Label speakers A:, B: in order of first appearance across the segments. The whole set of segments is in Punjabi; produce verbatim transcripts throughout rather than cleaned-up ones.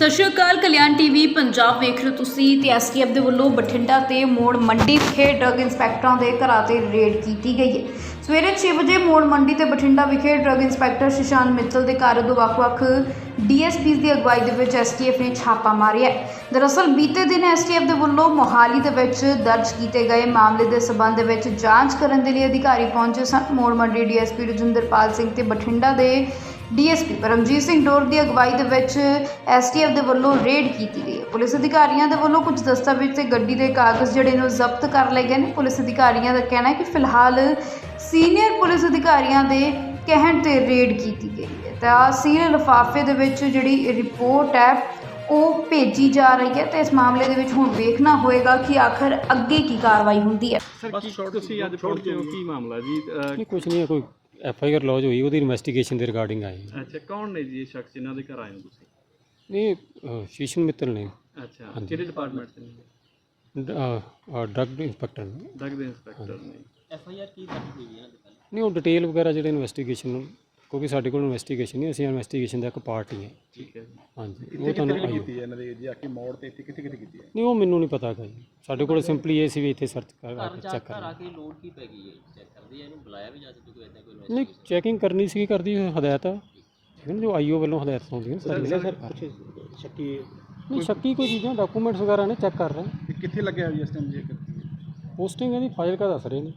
A: ਸਤਿ ਸ਼੍ਰੀ ਅਕਾਲ। ਕਲਿਆਣ ਟੀਵੀ ਪੰਜਾਬ ਵੇਖ ਰਹੇ ਹੋ ਤੁਸੀਂ ਤੇ ਐਸਟੀਐਫ ਦੇ ਵੱਲੋਂ ਬਠਿੰਡਾ ਤੇ ਮੋੜ ਮੰਡੀ ਵਿਖੇ ਡਰੱਗ ਇੰਸਪੈਕਟਰਾਂ ਦੇ ਘਰਾਂ ਤੇ ਰੇਡ ਕੀਤੀ ਗਈ ਹੈ। ਸਵੇਰੇ ਛੇ ਵਜੇ ਮੋੜ ਮੰਡੀ ਤੇ ਬਠਿੰਡਾ ਵਿਖੇ ਡਰੱਗ ਇੰਸਪੈਕਟਰ ਸ਼ਸ਼ਾਂਕ ਮਿੱਤਲ ਦੇ ਘਰ ਦੋ ਵੱਖ-ਵੱਖ ਡੀਐਸਪੀਜ਼ ਦੀ ਅਗਵਾਈ ਦੇ ਵਿੱਚ ਐਸਟੀਐਫ ਨੇ ਛਾਪਾ ਮਾਰਿਆ ਹੈ। ਦਰਅਸਲ ਬੀਤੇ ਦਿਨ ਐਸਟੀਐਫ ਦੇ ਵੱਲੋਂ ਮੋਹਾਲੀ ਦੇ ਵਿੱਚ ਦਰਜ ਕੀਤੇ ਗਏ ਮਾਮਲੇ ਦੇ ਸਬੰਧ ਦੇ ਵਿੱਚ ਜਾਂਚ ਕਰਨ ਦੇ ਲਈ ਅਧਿਕਾਰੀ ਪਹੁੰਚੇ ਸਨ। ਮੋੜ ਮੰਡੀ ਡੀਐਸਪੀ ਰਜਿੰਦਰਪਾਲ ਸਿੰਘ ਤੇ ਬਠਿੰਡਾ ਦੇ ਡੀਐਸਪੀ ਪਰਮਜੀਤ ਸਿੰਘ ਡੋਰ ਦੀ ਅਗਵਾਈ ਦੇ ਵਿੱਚ ਐਸਟੀਐਫ ਦੇ ਵੱਲੋਂ ਰੇਡ ਕੀਤੀ ਗਈ ਹੈ। ਪੁਲਿਸ ਅਧਿਕਾਰੀਆਂ ਦੇ ਵੱਲੋਂ ਕੁਝ ਦਸਤਾਵੇਜ਼ ਤੇ ਗੱਡੀ ਦੇ ਕਾਗਜ਼ ਜਿਹੜੇ ਨੂੰ ਜ਼ਬਤ ਕਰ ਲਏ ਗਏ ਨੇ। ਪੁਲਿਸ ਅਧਿਕਾਰੀਆਂ ਦਾ ਕਹਿਣਾ ਹੈ ਕਿ ਫਿਲਹਾਲ ਸੀਨੀਅਰ ਪੁਲਿਸ ਅਧਿਕਾਰੀਆਂ ਦੇ ਕਹਿਣ ਤੇ ਰੇਡ ਕੀਤੀ ਗਈ ਹੈ ਤਾਂ ਸੀਲ ਲਿਫਾਫੇ ਦੇ ਵਿੱਚ ਜਿਹੜੀ ਰਿਪੋਰਟ ਹੈ ਉਹ ਭੇਜੀ ਜਾ ਰਹੀ ਹੈ ਤੇ ਇਸ ਮਾਮਲੇ ਦੇ ਵਿੱਚ ਹੁਣ ਵੇਖਣਾ ਹੋਏਗਾ ਕਿ ਆਖਰ ਅੱਗੇ ਕੀ ਕਾਰਵਾਈ ਹੁੰਦੀ ਹੈ।
B: ਸਰ ਕੀ ਤੁਸੀਂ ਅੱਜ ਪਹੁੰਚੇ ਹੋ, ਕੀ ਮਾਮਲਾ ਜੀ?
C: ਨਹੀਂ ਕੁਛ ਨਹੀਂ, ਕੋਈ ਐਫ ਆਈ ਆਰ ਲੌਜ ਹੋਈ, ਉਹਦੀ ਇਨਵੈਸਟੀਗੇਸ਼ਨ ਦੇ ਰਿਗਾਰਡਿੰਗ ਆਏ।
B: ਅੱਛਾ, ਕੌਣ ਨੇ ਜੀ ਇਹ ਸ਼ਖਸ ਜਿਨ੍ਹਾਂ ਦੇ ਘਰ ਆਏ ਹੋ ਤੁਸੀਂ?
C: ਨਹੀਂ ਸ਼ੀਸ਼ਨ ਮਿੱਤਲ ਨੇ।
B: ਅੱਛਾ, ਕਿਹੜੇ ਡਿਪਾਰਟਮੈਂਟ ਦੇ ਨੇ?
C: ਡਰੱਗ ਇੰਸਪੈਕਟਰ ਨੇ।
B: ਡਰੱਗ ਦੇ ਇੰਸਪੈਕਟਰ ਨੇ।
D: ਐਫ ਆਈ ਆਰ ਕੀ ਦਰਜ ਹੋਈ ਹੈ?
C: ਨਹੀਂ ਉਹ ਡਿਟੇਲ ਵਗੈਰਾ ਜਿਹੜੇ ਇਨਵੈਸਟੀਗੇਸ਼ਨ, ਕਿਉਂਕਿ ਸਾਡੇ ਕੋਲ ਇਨਵੈਸਟੀਗੇਸ਼ਨ ਨਹੀਂ, ਅਸੀਂ ਇਨਵੈਸਟੀਗੇਸ਼ਨ ਦਾ ਇੱਕ ਪਾਰਟ ਹੀ ਹੈ।
B: ਠੀਕ ਹੈ ਜੀ।
C: ਹਾਂਜੀ, ਉਹ ਤੁਹਾਨੂੰ ਆਈ
E: ਕੀਤੀ ਹੈ ਇਹਨਾਂ ਦੇ ਜੀ ਆ ਕੇ ਮੋੜ ਤੇ ਇੱਥੇ ਕਿੱਥੇ ਕਿੱਥੇ ਕੀਤੀ ਹੈ?
C: ਨਹੀਂ ਉਹ ਮੈਨੂੰ ਨਹੀਂ ਪਤਾ ਹੈਗਾ ਜੀ। ਸਾਡੇ ਕੋਲ ਸਿੰਪਲੀ ਇਹ ਸੀ ਵੀ ਇੱਥੇ ਸਰਚ ਕਰ
D: ਘਰ ਜਾ
C: ਚੈੱਕ
D: ਘਰ ਆ
C: ਕਰਨਾ।
D: ਕੇ ਲੋਡ ਕੀ ਪੈ ਗਈ ਹੈ? ਚੈੱਕ ਕਰਦੇ ਆ, ਇਹਨੂੰ ਬੁਲਾਇਆ ਵੀ ਜਾ ਸਕਦਾ ਕੋਈ ਇਦਾਂ ਕੋਈ
C: ਨਹੀਂ ਚੈਕਿੰਗ ਕਰਨੀ ਸੀ, ਕਰਦੀ ਹਦਾਇਤ ਆ, ਠੀਕ ਹੈ ਨਾ, ਜੋ ਆਈ ਓ ਵੱਲੋਂ ਹਦਾਇਤ ਹੁੰਦੀਆਂ ਸਾਰੀ।
E: ਸਰ ਕੁਛ ਸ਼ੱਕੀ
C: ਨਹੀਂ ਸ਼ੱਕੀ ਕੋਈ ਚੀਜ਼ਾਂ ਡਾਕੂਮੈਂਟਸ ਵਗੈਰਾ ਨੇ ਚੈੱਕ ਕਰ ਰਹੇ।
E: ਇਹ ਕਿੱਥੇ ਲੱਗਿਆ ਹੋਈ ਇਸ ਟਾਈਮ ਜੀ?
C: ਪੋਸਟਿੰਗ ਇਹਦੀ ਫਾਈਲ ਕਾ ਦੱਸ ਰਹੇ ਨੇ।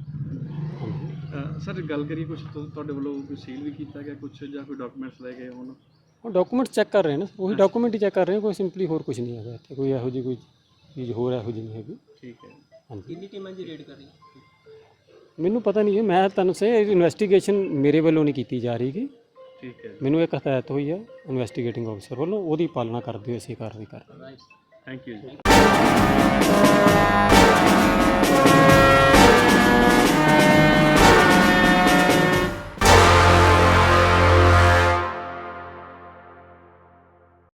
B: ਅ, ਸਰ ਗੱਲ ਕਰੀ ਕੁਝ ਤੁਹਾਡੇ ਵੱਲੋਂ ਕੋਈ ਸੀਲ ਵੀ ਕੀਤਾ ਗਿਆ ਕੁਝ ਜਾਂ ਕੋਈ ਡਾਕੂਮੈਂਟਸ ਲੈ ਗਏ ਹੁਣ?
C: ਉਹ ਡਾਕੂਮੈਂਟ ਚੈੱਕ ਕਰ ਰਹੇ ਨੇ, ਉਹੀ ਡਾਕੂਮੈਂਟ ਹੀ ਚੈੱਕ ਕਰ ਰਹੇ, ਕੋਈ ਸਿੰਪਲੀ ਹੋਰ ਕੁਝ ਨਹੀਂ ਹੈਗਾ ਇੱਥੇ, ਕੋਈ ਇਹੋ ਜਿਹੀ ਕੋਈ ਚੀਜ਼ ਹੋਰ ਇਹੋ ਜਿਹੀ ਨਹੀਂ ਹੈਗੀ।
B: ਠੀਕ ਹੈ।
C: ਹਾਂਜੀ,
D: ਕਿੰਨੀ ਟੀਮਾਂ ਦੀ ਰੇਡ ਕਰ ਰਹੀ
C: ਮੈਨੂੰ ਪਤਾ ਨਹੀਂ ਹੈ, ਮੈਂ ਤੁਹਾਨੂੰ ਸੇ ਇਨਵੈਸਟੀਗੇਸ਼ਨ ਮੇਰੇ ਵੱਲੋਂ ਨਹੀਂ ਕੀਤੀ ਜਾ ਰਹੀ ਗੀ।
B: ਠੀਕ ਹੈ,
C: ਮੈਨੂੰ ਇੱਕ ਹਦਾਇਤ ਹੋਈ ਹੈ ਇਨਵੈਸਟੀਗੇਟਿੰਗ ਅਫਸਰ ਵੱਲੋਂ, ਉਹਦੀ ਪਾਲਣਾ ਕਰਦੇ ਹੋਏ ਅਸੀਂ ਕਾਰਵਾਈ ਕਰ ਰਹੇ ਹਾਂ।
B: ਥੈਂਕ ਯੂ ਜੀ।